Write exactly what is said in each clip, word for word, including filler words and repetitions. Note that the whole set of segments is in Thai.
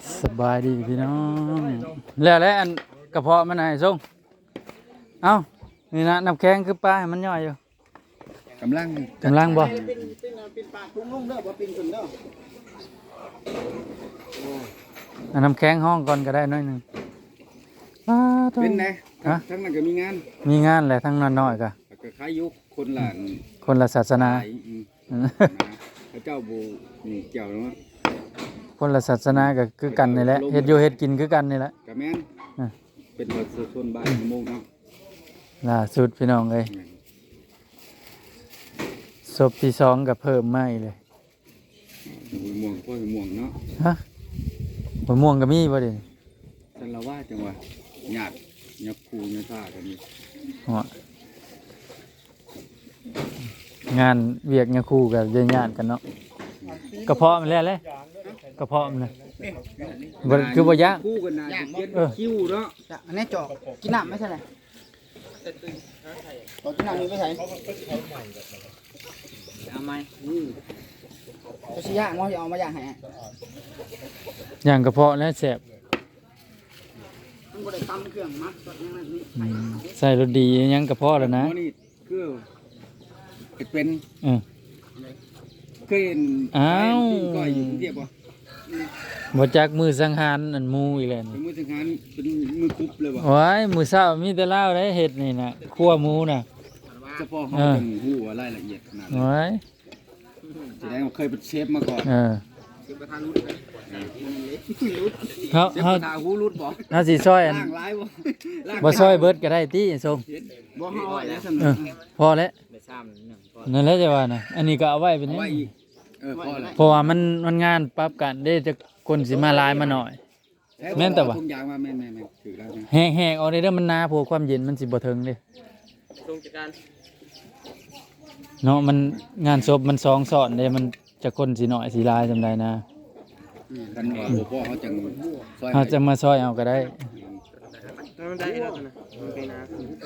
สบายดีพี่น้องแล้วแล้วอันกระเพาะมันไหนส่งเอ้านี่นะน้ำแข็งคือปลาให้มันย่อยอยู่กำลังกำลังบ่อันน้ำแข็งห้องก่อนก็ได้น้อยหนึ่งเป็นไงทั้งนั้นก็มีงานมีงานแหละทั้งนั้นน้อยก็ก็คล้ายยุคคนหลานคนละศาสนาพระเจ้าบูนี่เกี่ยวเนาะคนละศาสนาก็คือกันนี่แหละเฮ็ดอยู่เฮ็ดกินคือกันนี่แหละก็แม่นเป็นประชาชนบ้านโมงเนาะล่าสุดพี่น้องเอ้ยศพที่สองก็เพิ่มมาอีกเลยม่วงพ่อม่วงเนาะฮะมะม่วงก็มีบ่เด้ฉันละว่าจังว่าหยาดยักคูยักท่ากันนี่งานเวียกเนี่ยคู่กับญาติกันเนาะกระเพาะมันแล้วเลยกระเพาะมันนะคือบ่ย่างคู่กันนะคิ้วเนาะอันนี้จอกกินน้ำไม่ใช่ไหมจอกกินน้ำนี่ไม่ใช่เอาไหมจะชี้ย่างว่าจะเอามาย่างให้ย่างกระเพาะแล้วแซ่บมันบ่ได้ตำเครื่องมักใส่รสดียังกระเพาะแล้วนะคือเป็นเคยเห็นอ้าวก้อยอยู่กรุงเทพป่ะบ่จักมือสังหารอันมูอีกแล้วเป็นมือสังหารเป็นมือคุบเลยป่ะโอ้ยมือเช้ามีแต่เล่าได้เห็ดนี่นะคั่วหมูน่ะเฉพาะเขาจะหูว่ารายละเอียดขนาดนั้นโอ้ยแสดงว่าเคยเป็นเชฟมาก่อนเออเขาเขาทาหูรุดบ่เฮาสิซอยอันบ่ซอยเบิดก็ได้ติส่งบ่เฮาเอาไว้แล้วซั่นพอแล้วนั่นแหละจะว่านะอันนี้ก็เอาไว้เป็นนี้เพราะว่ามันมันงานปรับกันได้จะคนสิมาลายมาหน่อยแม่นแต่ว่าแห้งแห้งเอาได้เด้อมันนาพวกความเย็นมันสิบ่ถึงเด้เนาะมันงานศพมันสองซ้อนเด้มันจะคนสิน้อยสิลายจำได้นะกันว่าบ่พอเขาจังซอยเขาจะมาซอยเอาก็ได้มันได้แล้วนะเป็นนา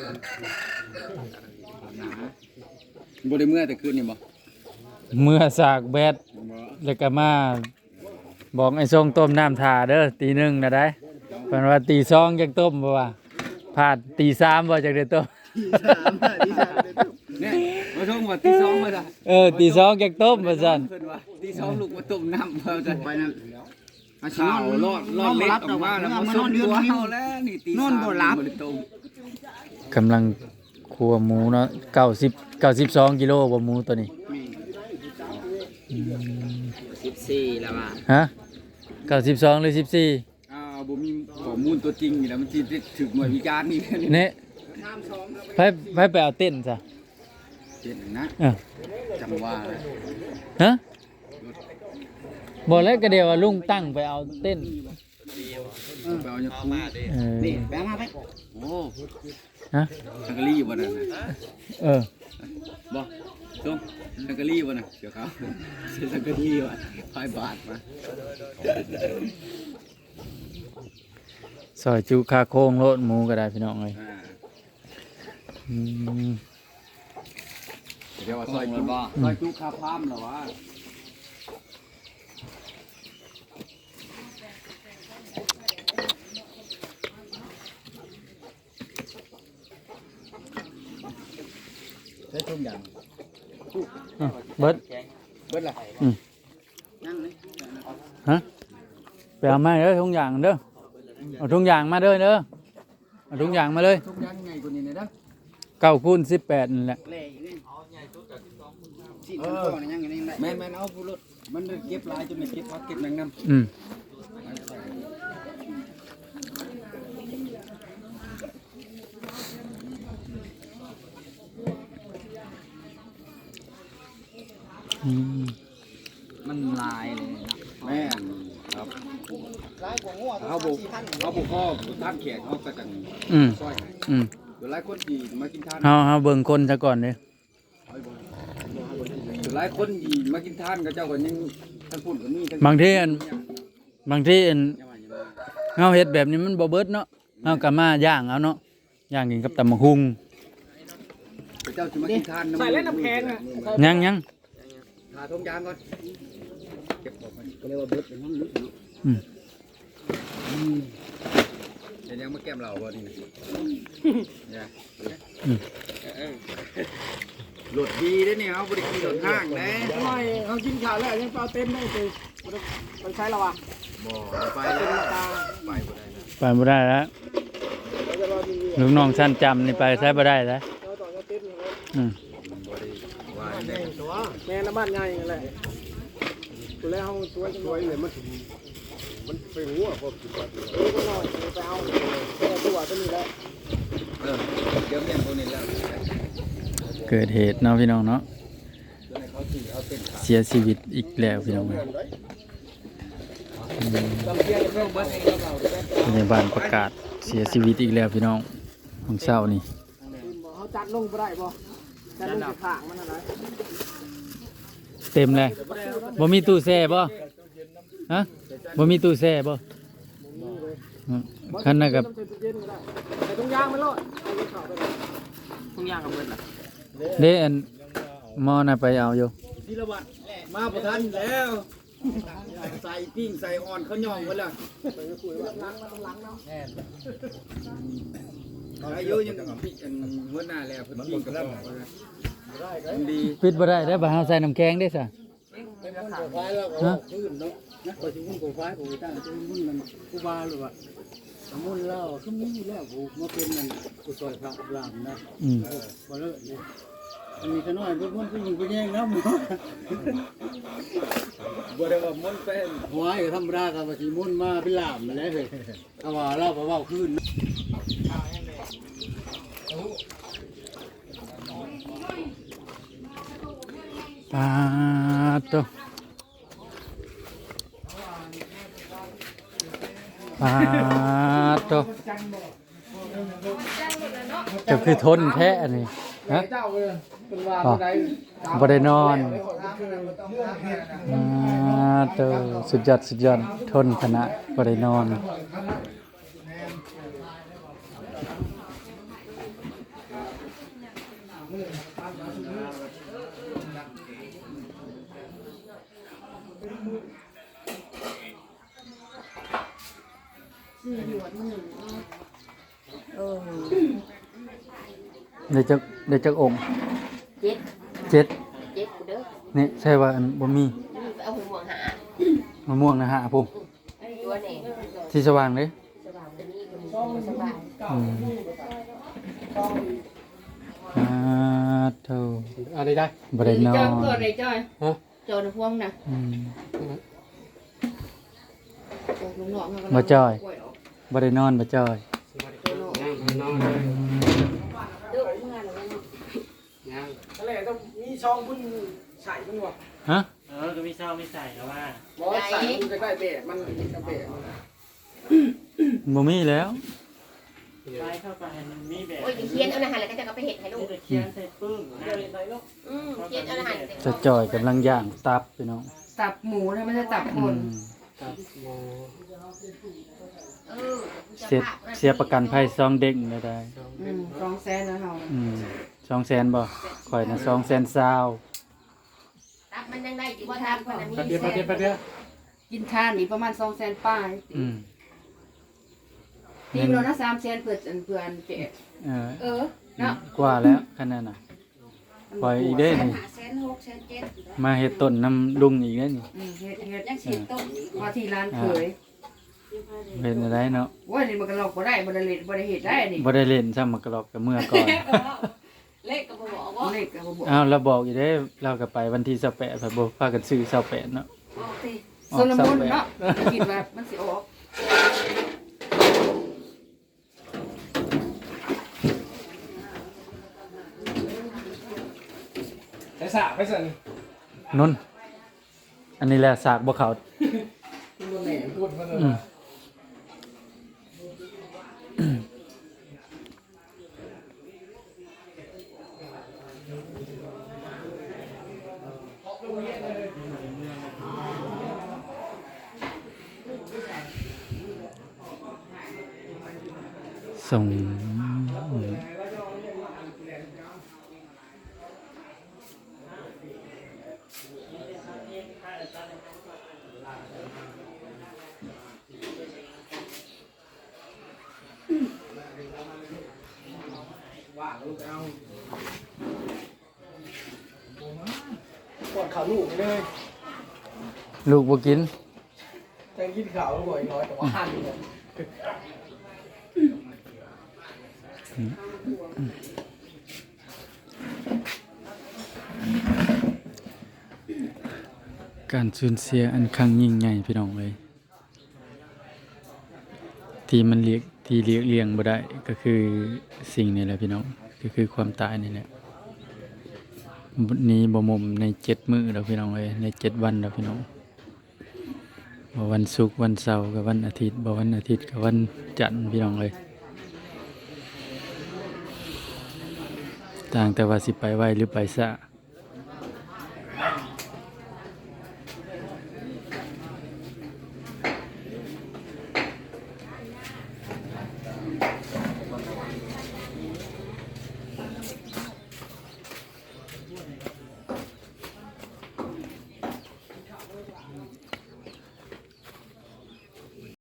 บ่ได้เมื่อแต่คืนนี่บ่เมื่อสากแบดแล้วก็มาบอกไอ้ทรงต้มน้ำถ่าเด้อตีหนึ่งนะได้เพิ่นว่าตีสองจักต้มบ่ว่าพลาดตีสามบ่จักได้ต้มเนี่ยมาส่งว่าตีสองมาจ้ะเออตีสองจักต้มว่าซั่นเพิ่นว่าตีสองลูกมาต้มน้ำเพิ่นจะไปนั่นข้าวรอดรอดเล็กออกมาแล้วมานอนเดือนเฮาแล้วนี่ตีสามนอนบ่หลับกำลังคั่วหมูเนาะเก้าสิบ เก้าสิบสองกิโลบ่หมูตัวนี้สิบสี่แล้วว่ะฮะเก้าสิบสองหรือสิบสี่อ่าบ่มีข้อมูลตัวจริงนี่แหละมันสิถึกหน่วยวิจารณ์นี่เนี่ยไปไปไปเอาเต้นซะเต้นนะเออจังว่าฮะบ่แล้วก็เดี๋ยวลุงตั้งไปเอาเต้นเออไปเอาอย่างคู่นี่แบงมาไปโอ้ฮะสังกะรีอยู่บ่นั่นน่ะเออบ่ส่งสังกะรีบ่น่ะเดี๋ยวเขาซื้อสังกะรีว่ะห้าบาทมาซอยจุคาโค้งโลดหมูก็ได้พี่น้องเอ้ยอืมเดี๋ยวว่าซอยจุซอยจุคาพามเหรอวะได้ทุกอย่างเบิดเบิดล่ะอืมฮะไปเอามาเด้อทุกอย่างเด้อเอาทุกอย่างมาเด้อเด้อเอาทุกอย่างมาเลยทุกอย่างใหญ่กว่านี้เด้อเก้าคูณสิบแปดนั่นแหละแม่แม่เอาผู้รถมันเก็บลายจนไม่เก็บพักเก็บแมงน้ำอืมมันลายเลยแม่ครับเขาบุกเขาบุกข้อท่านแขกเขากระจังซอยอืมหลายคนดีมากินทานเขาเขาเบิ่งคนซะก่อนเลยหลายคนดีมากินทานกับเจ้าก็ยังท่านพูดกับนี่บางทีบางทีเฮาเฮ็ดแบบนี้มันบ่เบิดเนาะเฮาก็มาย่างเอาเนาะย่างกินกับตำบักหุ่งเจ้าจะมากินทานใส่เล่นน้ำแข็งอ่ะยังยังหาทงยางก่อนเก็บออกมาก็เรียกว่าเบิดเป็นห้องลึกยังมาแก้มเราบ่นี่เนี่ยหลุดดีได้เนี่ยเขาบริกีหลุดห้างนะทำไมเขากินข้าวแล้วยังเปล่าเต็มได้เลยไปใช้แล้ววะบ่ไปแล้วไปบ่ได้นะไปบ่ได้แล้วลูกน้องชั้นจำนี่ไปใช้บ่ได้แล้วอืมบ่ได้ว่าได้แม่น้ำบ้านใหญ่แหละตัวแล้วเขาตัวจะน้อยเลยมันมันไปหัวพอกินไปเออก็น้อยไปเอาตัวตัวนี้แล้วเออเดี๋ยวเมียนตัวนี้แล้วเกิดเหตุเนาะพี่น้องเนาะเขาถือเอาเส้นขาเสียชีวิตอีกแล้วพี่น้องเอ้ยอืมต้องเที่ยวเรื่องบ้านเองเราพยาบาลประกาศเสียชีวิตอีกแล้วพี่น้องของเช้านี่เขาจัดลงไปได้บ่จัดลงไปข้างมันอะไรเต็มเลยบ่มีตู้แช่บ่ฮะบ่มีตู้แช่บ่อืมคันนั้นกับแต่ตรงยางมันรอดตรงยางกับเบิดล่ะเด้อันหมอน่ะไปเอาอยู่ธีรวัตรมาประทันแล้วใส่ปิ้งใส่อ่อนเขาย่องไว้แล้วอายุยังพี่อันหัวหน้าแล้วเพิ่นปิ้งกับบอกว่าดีปิดบ่ได้ได้อบ่เฮาใส่น้ำแข็งได้ซะไฟแล้วก็ขึ้นเนาะนะพอสิมุ่นกูไฟกูตั้งจะมุ่นมันกูบาหรือว่ามุ่นแล้วคือมีแล้วกูมาเป็นมันกูซอยพระรามนะอืมบ่เลิกเลยอันนี้ก็น้อยเพิ่นมุ่นผู้หญิงผู้แย่งแล้วหมอบ่ได้ว่ามันเป็นหัวไอ้ธรรมดาก็ว่าสิมุ่นมาเป็นลามมาแล้วเฮ้ยเอาว่าเราก็เว้าขึ้นปาดโตปาดโตจะคือทนแท้อันนี้ฮะเจ้าเลยเป็นว่าอ๋อใดบ่ได้นอนปาดโตสุดยอดสุดยอดทนขนาดบ่ได้นอนได้จักได้จักองค์เจ็ดเจ็ดเจ็ดกูเด้อนี่ใช่ว่าอันบ่มีไปเอาหัวหามะม่วงนะฮะผมตัวนี่ที่สว่างเลยสบายตัวนี้มันสบายอืมอ่าเท่าอะไรได้บ่ได้นอจอยนเกิดเลยจอยฮะจอยในพวงนะอืมลุงหนองบ่จ้อยบ่ได้นอนบ่จ้อยอะไรต้องมีช่องพุ่นใส่พุ่นวะฮะเออ ก็มีเศร้าไม่ใส่แล้วว่าบ่ใส่พุ่นจะได้เบะมันกระเบะบ่มีแล้วไปเข้าไปมันมีแบบโอ้ยเคียนเอาอาหารแล้วก็จะเอาไปเห็ดให้ลูกจะเคียนใส่ปึ้งนะอืมเคียนเอาอาหารจะจ่อยกำลังย่างตับพี่น้องตับหมูถ้าไม่ใช่ตับคอืนมเออเสียเสียประกันภัยซองเด้งได้ได้อืมสองแสนนะเฮาอืมสองแสนบ่ข่อยน่ะสองแสนซาวตับมันยังได้อยู่ว่าตับคนนั้นประเดี๋ยวประเดี๋ยวประเดี๋ยวกินทานนี่ประมาณสองแสนป้ายอืมทีมเรานะสามแสนเพื่อนเพื่อนเจ๊เออเออเนาะกว่าแล้วคันนั้นน่ะปล่อยอีกเด้นี่แสนหกแสนเจ็ดมาเฮ็ดต้นน้ำลุงอีกเด้นี่อืมเฮ็ดเฮ็ดยังสิต้มว่าที่ร้านเคยเฮ็ดได้เนาะว่านี่มันก็ลอกบ่ได้บ่ได้เล่นบ่ได้เฮ็ดได้นี่บ่ได้เล่นซ้ำมากรอกกับเมื่อก่อนเลขก็บ่บอกว่าเลขก็บ่บอกอ้าวเราบอกอยู่เด้เราก็ไปวันที่ยี่สิบแปดพะบ่พากันซื้อยี่สิบแปดเนาะโซลมอนเนาะคิดว่ามันสิออกไปสระไปสั่นนุ่นอันนี้แหละสากบ่เขาตัวแหน่พูดมาเลยอืมส่งเขาลูกเลยลูกบ่กินจังกินข้าวบ่อยน้อยแต่ว่าหันเนี่ยการสูญเสียอันครั้งยิ่งใหญ่พี่น้องเอ้ยที่มันเรียกที่เรียกเลี่ยงบ่ได้ก็คือสิ่งนี้แหละพี่น้องก็คือความตายนี่แหละนี้บ่มุมในเจ็ดมื้อแล้วพี่น้องเอ้ยในเจ็ดวันแล้วพี่น้องบ่วันศุกร์วันเสาร์กับวันอาทิตย์บ่วันอาทิตย์กับวันจันทร์พี่น้องเอ้ยต่างแต่ว่าสิไปไวหรือไปช้า